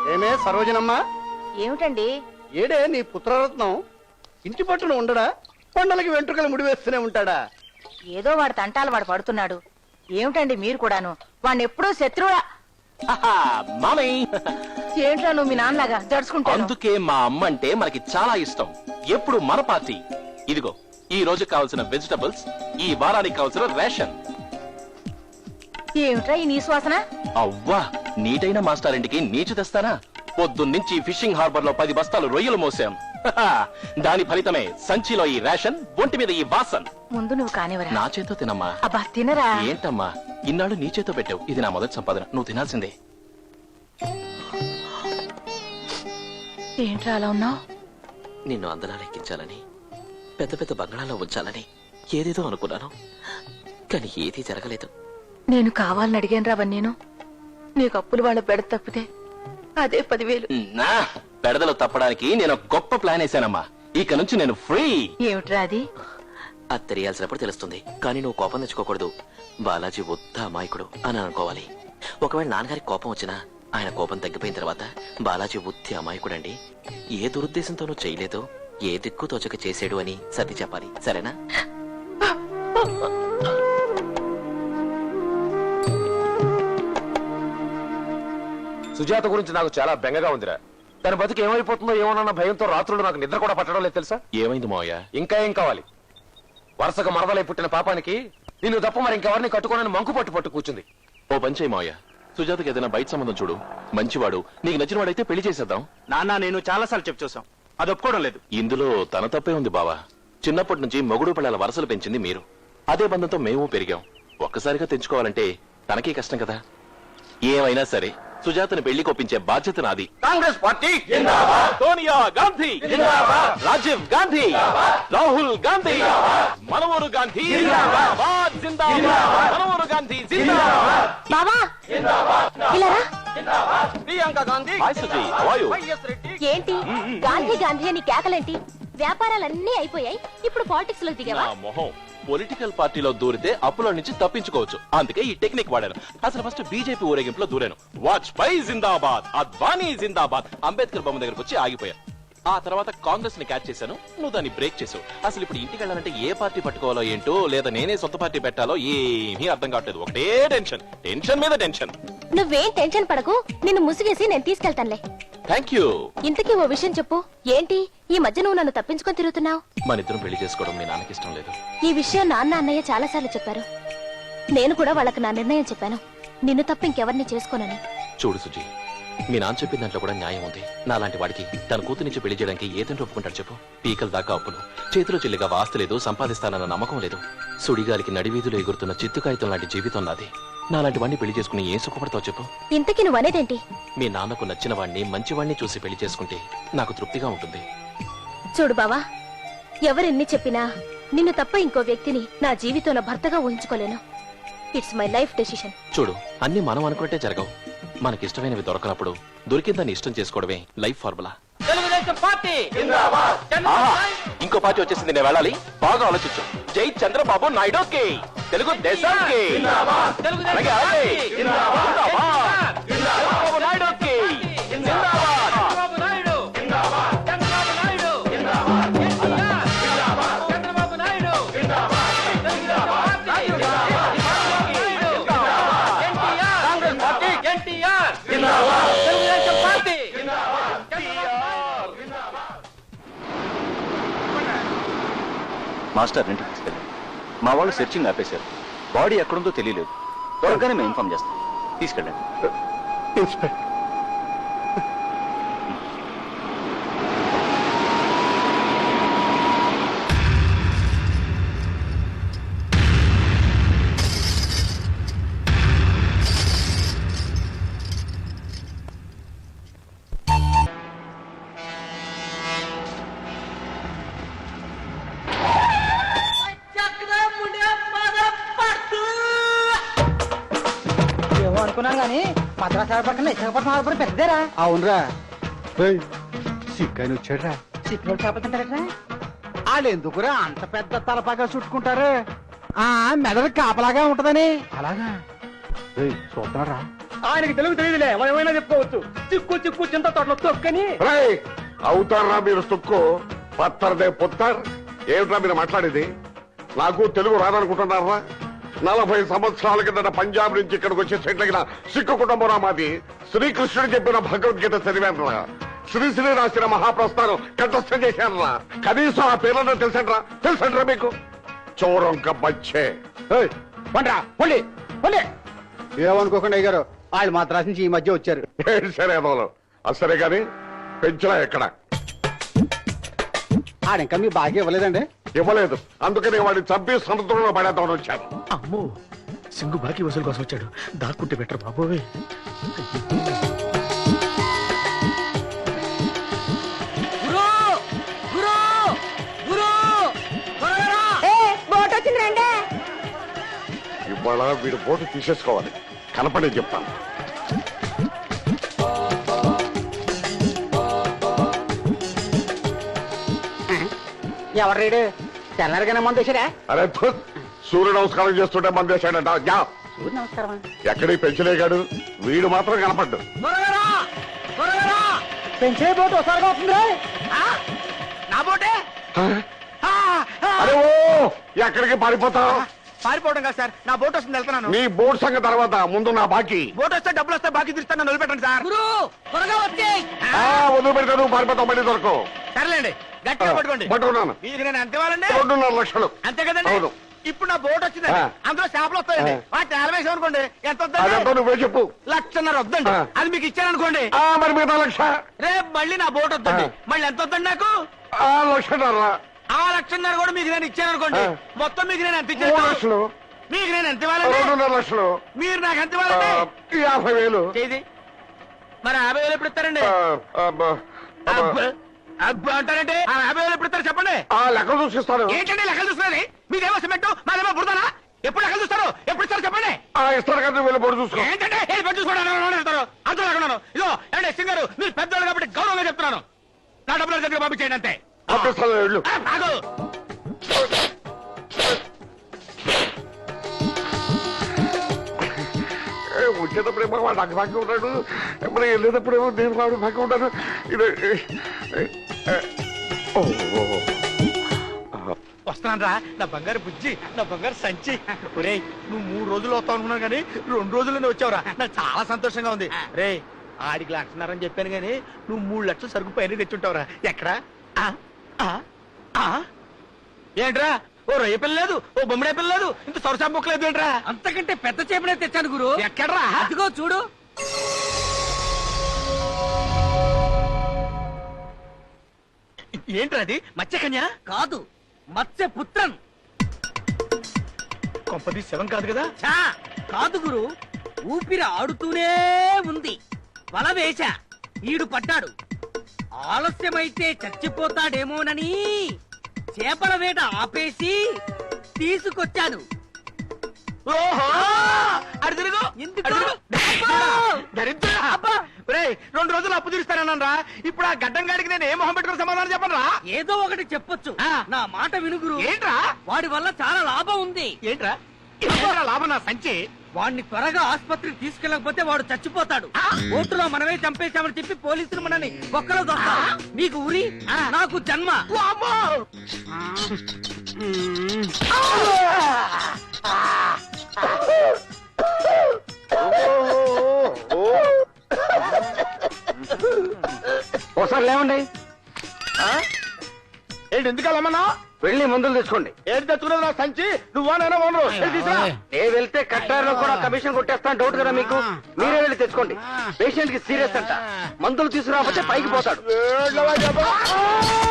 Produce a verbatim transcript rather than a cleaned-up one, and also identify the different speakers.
Speaker 1: ఏమే సరోజనమ్మా?
Speaker 2: ఏమిటండి?
Speaker 1: ఏడే నీ పుత్రరత్నం ఇంటి పట్టున ఉండడా? కొండలకి వెంట్రుకలు ముడివేస్తూనే ఉంటాడా?
Speaker 2: ఏదో వాడు తంటాలు వాడు పడుతున్నాడు. ఏమిటండి మీరు కూడాను వాడిని ఎప్పుడూ శత్రువులా? ఏంట్రా నువ్వు మీ నాన్నలాగా జడుచుకుంటాను?
Speaker 3: అందుకే మా అమ్మ అంటే మనకి చాలా ఇష్టం. ఎప్పుడు మన పార్టీ. ఇదిగో ఈ రోజు కావాల్సిన వెజిటబుల్స్, ఈ వారానికి కావాల్సిన రేషన్.
Speaker 2: ఏమిట్రా ఈ నీ శ్వాసన?
Speaker 3: అవ్వా, నీటైన మాస్టర్ ఇంటికి నీచు తెస్తానా? పొద్దున్నుంచి ఫిషింగ్ హార్బర్ లో పది బస్తాలు రొయ్యలు మోసాం. దాని ఫలితమే సంచిలో ఈ రేషన్, ఒంటి మీద ఈ వాసన్.
Speaker 2: ముందు నువ్వు కానివరా.
Speaker 3: నా చేతో తినమ్మా.
Speaker 2: అబ్బా తినరా.
Speaker 3: ఏంటమ్మా ఇన్నాళ్ళు నీ చేతో పెట్టావు? ఇది నా మొదటి సంపాదన, నువ్వు తినాల్సిందే.
Speaker 2: ఏంట్రా అలా ఉన్నావు?
Speaker 4: నిన్ను అందలా లెక్కించాలని, పెద్ద పెద్ద బంగాళాలో ఉంచాలని ఏదేదో అనుకున్నాను, కానీ ఏదీ జరగలేదు.
Speaker 2: నేను కావాలని అడిగాను రావని నేను నీకు అప్పులు వాళ్ళ బెడ తప్పితే అదే పదివేలు.
Speaker 3: నా పెడదలు తప్పడానికి నేను ఒక గొప్ప ప్లాన్ వేసానమ్మా. ఇక నుంచి నేను ఫ్రీ.
Speaker 2: ఏమిట్రా అది?
Speaker 4: అది తెలియాల్సినప్పుడు తెలుస్తుంది, కానీ నువ్వు కోపం తెచ్చుకోకూడదు. బాలాజీ వద్ద అమాయకుడు అని అనుకోవాలి. ఒకవేళ నాన్నగారికి కోపం వచ్చినా ఆయన కోపం తగ్గిపోయిన తర్వాత బాలాజీ బుద్ధి అమాయకుడండి, ఏ దురుద్దేశంతోనూ చేయలేదో, ఏ దిక్కు తోచక చేసాడు అని సర్ది చెప్పాలి, సరేనా?
Speaker 5: సుజాత గురించి నాకు చాలా బెంగగా ఉందిరా. తన బతికి ఏమైపోతుందో ఏమోనన్న భయంతో రాత్రులు నాకు నిద్ర కూడా పట్టడం లేదు తెలుసా?
Speaker 3: ఏమైంది మావయ్య?
Speaker 5: ఇంకా ఏం కావాలి? వరుసగా మరదలై పుట్టిన పాపానికి నిన్ను తప్ప మరి ఇంకెవరిని కట్టుకోనని మంకు పట్టు పట్టు కూర్చుంది.
Speaker 3: ఓ పంచేయి మావయ్య, సుజాతకి ఏదైనా బయట సంబంధం చూడు. మంచివాడు, నీకు నచ్చిన వాడైతే పెళ్లి చేసేద్దాం.
Speaker 1: నాన్న నేను చాలా సార్లు చెప్పి చూసాం, అది ఒప్పుకోవడం లేదు.
Speaker 3: ఇందులో తన తప్పే ఉంది బావా. చిన్నప్పటి నుంచి మొగుడు పిల్లల వరసలు పెంచింది మీరు. అదే బంధంతో మేము పెరిగాం. ఒక్కసారిగా తెంచుకోవాలంటే తనకే కష్టం కదా. ఏమైనా సరే సుజాతను పెళ్లి కొప్పించే బాధ్యత నాది.
Speaker 1: కాంగ్రెస్ పార్టీ
Speaker 3: సోనియా గాంధీ, రాజీవ్ గాంధీ, రాహుల్ గాంధీ, మనోహర్ గాంధీ, మనోహర్ గాంధీ
Speaker 2: బాబా ఇలా
Speaker 5: ప్రియాంక గాంధీ.
Speaker 2: ఏంటి గాంధీ గాంధీ అని కేకలేంటి? వ్యాపారాలన్నీ అయిపోయాయి, ఇప్పుడు పాలిటిక్స్ లో దిగావా?
Speaker 3: మొహం, పొలిటికల్ పార్టీలో దూరితే అప్పుల నుంచి తప్పించుకోవచ్చు. అందుకే ఈ టెక్నిక్ వాడాను. అసలు ఫస్ట్ బీజేపీ ఊరేగింపులో దూరాను. వాజ్పేయి జిందాబాద్, అద్వానీ జిందాబాద్, అంబేద్కర్ బొమ్మ దగ్గరకు వచ్చి ఆగిపోయాను. ఆ తర్వాత కాంగ్రెస్ ని క్యాచ్ చేశాను, నువ్వు దాన్ని బ్రేక్ చేసావు. అసలు ఇప్పుడు ఇంటికి వెళ్ళాలంటే ఏ పార్టీ పట్టుకోవాలో ఏంటో, లేదా నేనే సొంత పార్టీ పెట్టాలో ఏమీ అర్థం కావట్లేదు. ఒకటే టెన్షన్, టెన్షన్ మీద టెన్షన్.
Speaker 6: నువ్వేం టెన్షన్ పడకు, నిన్ను ముసుగేసి నేను తీసుకెళ్తానులే.
Speaker 3: Thank you.
Speaker 6: ఇంతకీ ఓ విషయం చెప్పు, ఏంటి ఈ మధ్య నువ్వు నన్ను తప్పించుకొని తిరుగుతున్నావు?
Speaker 3: మన ఇద్దరం పెళ్లి చేసుకోవడం మీ నాన్నకి ఇష్టం లేదు.
Speaker 6: ఈ విషయం నాన్న అన్నయ్య చాలా సార్లు చెప్పారు. నేను కూడా వాళ్ళకి నా నిర్ణయం చెప్పాను, నిన్ను తప్ప ఇంకెవరిని చేసుకోనని.
Speaker 3: చూడు సుజీ, మీ నాన్న చెప్పిన దాంట్లో కూడా న్యాయం ఉంది. నాలాంటి వాడికి తన కూతురు నుంచి పెళ్లి చేయడానికి ఏదంటే ఒప్పుకుంటాడు చెప్పు? పీకల దాకా అప్పులు, చేతిలో చెల్లిగా వాస్తు లేదు, సంపాదిస్తానన్న నమ్మకం లేదు. సుడిగాలికి నడివీధిలో ఎగురుతున్న చిత్తు కాగితం లాంటి జీవితం నాది. నాలాంటి వాడిని పెళ్లి చేసుకుని ఏం సుఖపడతావు చెప్పు?
Speaker 6: ఇంతకీ నువ్వు అనేదేంటి?
Speaker 3: మీ నాన్నకు నచ్చిన వాడిని, మంచివాడిని చూసి పెళ్లి చేసుకుంటే నాకు తృప్తిగా ఉంటుంది.
Speaker 6: చూడు బావా, ఎవరెన్ని చెప్పినా నిన్ను తప్ప ఇంకో వ్యక్తిని నా జీవితంలో భర్తగా ఊహించుకోలేను. It's my life decision.
Speaker 3: చూడు, అన్ని మనం అనుకుంటే జరగవు. మనకిష్టమైనవి దొరకనప్పుడు దొరికిందాన్ని ఇష్టం చేసుకోవడమే లైఫ్ ఫార్ములా. ఇంకో పార్టీ వచ్చేసింది, నేను వెళ్ళాలి. బాగా ఆలోచించు. జై చంద్రబాబు నాయుడు, తెలుగు దేశానికి
Speaker 7: మాస్టర్ ఇంటికి తీసుకెళ్ళి మా వాళ్ళు సెర్చింగ్ ఆపేశారు. బాడీ ఎక్కడుందో తెలియలేదు. త్వరగానే మేము ఇన్ఫార్మ్ చేస్తాం. తీసుకెళ్ళండి.
Speaker 1: ఇన్స్పెక్టర్
Speaker 8: అనుకున్నాను గానీ మద్రాసు పక్కన విశాఖపట్నం ఆడపడి పెద్దదేరా.
Speaker 1: అవునరా, సిక్కని వచ్చాడ్రా.
Speaker 8: సిక్కులు చేపలుతుంటారా? వాళ్ళు ఎందుకురా అంత పెద్ద తలపాగా చుట్టుకుంటారు? ఆ మెదడు కాపలాగా ఉంటదని.
Speaker 1: అలాగా చూస్తున్నారా?
Speaker 8: ఆయనకి తెలుగు తెలియదులే మనం ఏమైనా చెప్పుకోవచ్చు చిక్కు చిక్కు చింత తోటలో తొక్కని
Speaker 9: అవుతారా మీరు సుక్కు పత్తరదే పుత్తర్ ఏమిట్రా మీరు మాట్లాడేది నాకు తెలుగు రాదనుకుంటున్నారా నలభై సంవత్సరాల కిందట పంజాబ్ నుంచి ఇక్కడికి వచ్చి సెటిల్ అయిన సిక్కు కుటుంబం మాది శ్రీకృష్ణుడు చెప్పిన భగవద్గీత చదివానురా శ్రీశ్రీ రాసిన మహాప్రస్థానం కంఠస్థం చేశానురా కనీసం ఆ పేర్లను తెలుసండ్రా తెలుసండ్రా మీకు చోరంక బచ్చే
Speaker 8: పండ్రా పొండి పొండి ఏమనుకోకుండా అయ్యారు వాళ్ళు మాత్రం నుంచి ఈ మధ్య వచ్చారు
Speaker 9: ఏం సరే అదోలు అసలే గాని పెంచరా ఎక్కడ
Speaker 8: ఆడింకా మీ బాగా ఇవ్వలేదండి
Speaker 9: ఇవ్వలేదు అందుకని వాడిని చంపి సముద్రంలో పడేద్దామని వచ్చాను
Speaker 8: అమ్మో సింగు బాకీ వసూలు కోసం వచ్చాడు దాక్కుంటే బెటర్ బాబోయ్
Speaker 9: ఇవాళ వీడు బోటు తీసేసుకోవాలి కనపడే చెప్తాను
Speaker 8: ఎవరు తెల్లరిగానే మంది వచ్చారా
Speaker 9: అరే ధూ, సూర్య నమస్కారం చేస్తుంటే మంది వేశాడంట యా
Speaker 8: సూర్య నమస్కారం
Speaker 9: ఎక్కడి పెంచలేగాడు వీడు మాత్రం కనపడ్డు
Speaker 8: పెంచే బోటు ఒకసారిగా వస్తుంది నా బోటే
Speaker 9: అరే ఓ ఎక్కడికి పారిపోతావు
Speaker 8: పారిపోవడం కాదు సార్ నా బోట్ వస్తుంది వెళ్తున్నాను
Speaker 9: నీ బోట్ సంగతి తర్వాత ముందు నా బాకీ
Speaker 8: బోట్ వస్తే డబ్బులు వస్తే బాకీ తీస్తాను నిలబెట్టండి సార్ త్వరగా వచ్చే
Speaker 9: ఆ, వదిలి పెడితే నువ్వు పారిపోతావు మళ్ళీ దొరకవు
Speaker 8: సర్లేండి గట్టిగా పట్టుకోండి
Speaker 9: పట్టుకున్నాను
Speaker 8: మీకు నేను ఎంత ఇవ్వాలండి
Speaker 9: రెండున్నర లక్షలు
Speaker 8: అంతే కదండి
Speaker 9: అవును.
Speaker 8: ఇప్పుడు నా బోట్ వచ్చిందండి
Speaker 9: ఆ.
Speaker 8: అందులో చేపలు వస్తాయండి
Speaker 9: ఆ.
Speaker 8: వాటి నేలవేసాం అనుకోండి ఎంత
Speaker 9: అదంతా
Speaker 8: వద్దండి
Speaker 9: నువ్వే చెప్పు
Speaker 8: లక్షన్నర వద్దండి
Speaker 9: ఆ.
Speaker 8: అది మీకు ఇచ్చాననుకోండి
Speaker 9: ఆ మరి మిగతా లక్ష
Speaker 8: రేపు మళ్ళీ నా బోట్ వద్దండి
Speaker 9: ఆ.
Speaker 8: మళ్ళీ ఎంత వద్దండి నాకు
Speaker 9: ఆ లక్షన్నర
Speaker 8: ఆ లక్షన్నర కూడా మీకు నేను ఇచ్చాననుకోండి
Speaker 9: ఆ.
Speaker 8: మొత్తం మీకు నేను ఎంత
Speaker 9: మూడు
Speaker 8: ఇచ్చాను
Speaker 9: లక్షలు
Speaker 8: మీకు నేను ఎంత ఇవ్వాలండి
Speaker 9: రెండున్నర లక్షలు
Speaker 8: మీరు నాకు ఎంత
Speaker 9: ఆ,
Speaker 8: ఇవ్వాలండి
Speaker 9: యాభై వేలు
Speaker 8: చేది మరి యాభై వేలు ఎప్పుడు ఇస్తారండి
Speaker 9: ఆ, అబ్బా, అబ్బా.
Speaker 8: అబ్బా, అబ్బా అంటారంటే ఆ యాభై వేలు ఎప్పుడు ఇస్తారు చెప్పండి
Speaker 9: ఆ లెక్క చూసిస్తాను
Speaker 8: ఏంటండి లెక్కలు చూస్తున్నది మీదేమో సిమెంట్ మాదేమో బుడతానా ఎప్పుడు లెక్కలు చూస్తారు ఎప్పుడు ఇస్తారు చెప్పండి
Speaker 9: ఆ ఇస్తాను కదా వెళ్ళి పొడి చూసుకో
Speaker 8: ఏంటంటే ఏది పట్టు చూసుకోవడానికి వెళ్తారు అర్థం లేకున్నాను ఇదో ఏమంటే సింగర్ మీరు పెద్దోళ్ళు కాబట్టి గౌరవంగా చెప్తున్నాను నా డబ్బులు దగ్గర పంపించేయండి అంతే
Speaker 9: పంపిస్తాను వెళ్ళు
Speaker 8: ఆ, ఆగు.
Speaker 9: ఏ, వచ్చేటప్పుడేమో వాడు నాకు భాగ్యం ఉంటాడు మరి వెళ్ళేటప్పుడేమో నేను వాడు భాగ్యం ఉంటాను ఇది ఏ, ఏ, ఓ, ఓ, ఓ.
Speaker 8: వస్తున్నాను రా నా బంగారు బుజ్జి నా బంగారు సంచి ఒరేయ్ నువ్వు మూడు రోజులు వస్తావు అనుకున్నాను కానీ రెండు రోజుల్లోనే వచ్చావురా నాకు చాలా సంతోషంగా ఉంది రే ఆడికి లక్షన్నరని చెప్పాను కానీ నువ్వు మూడు లక్షలు సరుకు పైన తెచ్చుంటావురా ఎక్కడా ఆ? ఆ? ఆ? ఏంట్రా ఓ రొయ్య పిల్ల లేదు ఓ బొమ్మడే పిల్ల లేదు ఇంత సొరసా బుక్ లేదు ఏంట్రా
Speaker 10: అంతకంటే పెద్ద చేపనే తెచ్చాను గురు
Speaker 8: ఎక్కడ్రా
Speaker 10: అదిగో చూడు
Speaker 8: ఏంట్రా అది మత్స్యకన్య
Speaker 10: కాదు మత్స్య పుత్రన్
Speaker 8: కొంపది శవం కాదు కదా
Speaker 10: చా కాదు గురు ఊపిరి ఆడుతూనే ఉంది వల వేశా ఈడు పడ్డాడు ఆలస్యమైతే చచ్చిపోతాడేమోనని చేపల వేట ఆపేసి తీసుకొచ్చాను
Speaker 8: ఓహో అడు తిరుగు
Speaker 10: ఎందుకు?
Speaker 8: అడు తిరుగు.
Speaker 10: అబ్బా!
Speaker 8: దరిద్రుడా.
Speaker 10: అబ్బా!
Speaker 8: ఒరేయ్, రెండు రోజులు అప్పు తీరుస్తానన్నా ఇప్పుడు ఆ గడ్డం గాడికి నేను ఏ మొహం పెట్టుకుని సమాధానం చెప్పను రా
Speaker 10: ఏదో ఒకటి చెప్పొచ్చు
Speaker 8: ఆ.
Speaker 10: నా మాట వినుగురు
Speaker 8: ఏంట్రా
Speaker 10: వాడి వల్ల చాలా లాభం ఉంది
Speaker 8: ఏంట్రా ఏంట్రా లాభం నా సంచి
Speaker 10: వాడిని త్వరగా ఆసుపత్రికి తీసుకెళ్ళకపోతే వాడు చచ్చిపోతాడు
Speaker 8: ఆ?
Speaker 10: ఓటులో మనమే చంపేశామని చెప్పి పోలీసులు మనని బొక్కలో దొరుకుతారు నీకు ఉరి
Speaker 8: ఆ.
Speaker 10: నాకు జన్మ
Speaker 8: వామ్మో!
Speaker 1: ఒకసారి లేవండి
Speaker 8: ఏంటి ఎందుకు వెళ్ళమన్నా
Speaker 1: వెళ్ళి మందులు తెచ్చుకోండి
Speaker 8: ఏంటి తెచ్చుకున్నది నా సంచి నువ్వా నేనే ఓనరు వెళ్ళి తీసుకురా.
Speaker 1: నేను వెళ్తే కట్టారులో కూడా కమిషన్ కొట్టేస్తాను డౌట్ కదా మీకు మీరే వెళ్ళి తెచ్చుకోండి పేషెంట్ కి సీరియస్ అంట మందులు తీసుకురాకపోతే పైకి పోతాడు
Speaker 8: ఏంట్రా చెప్పు?